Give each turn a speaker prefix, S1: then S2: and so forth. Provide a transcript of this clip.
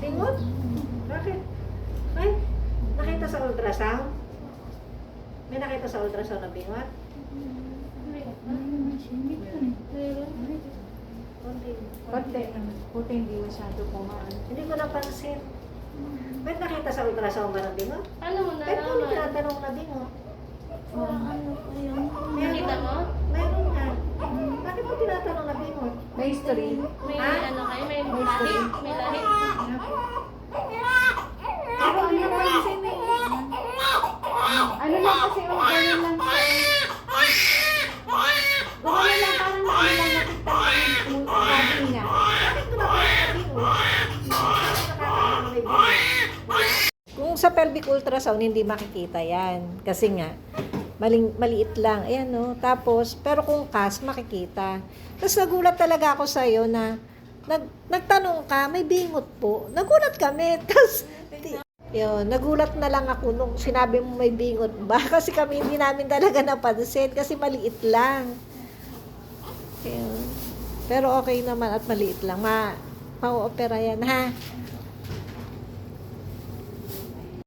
S1: Bingot? Bakit? Ay, nakita sa ultrasound? May nakita sa ultrasound na bingot? Konti.
S2: Puti hindi masyado kumaan.
S1: Hindi ko napansin. May nakita sa ultrasound ba ng bingot?
S3: Paano mo
S1: Pero kung
S3: nalaman?
S1: tinatanong na bingot,
S3: Nakita mo?
S1: meron nga. Bakit mo tinatanong na bingot?
S2: May history.
S3: May
S1: Ha?
S3: ano kayo? May lahi? May lahi?
S2: Pero ano naman kasi may... Ano lang kasi yung ganyan lang siya. Gawin lang parang ano lang nakita yung sabi niya.
S1: Bakit ko natanong na bingot? Nakakatawa na may bingot. Kung sa pelvic ultrasound, hindi makikita yan. Kasi nga, maliit lang. Ayan, no? Tapos, pero kung CAS, makikita. Tapos nagulat talaga ako sa'yo na nagtanong ka, may bingot po. Nagulat kami. Tapos, yun, nagulat na lang ako nung sinabi mo may bingot ba? Kasi kami hindi namin talaga napansin kasi maliit lang. Yun. Pero okay naman at maliit lang. Ma-opera yan, ha?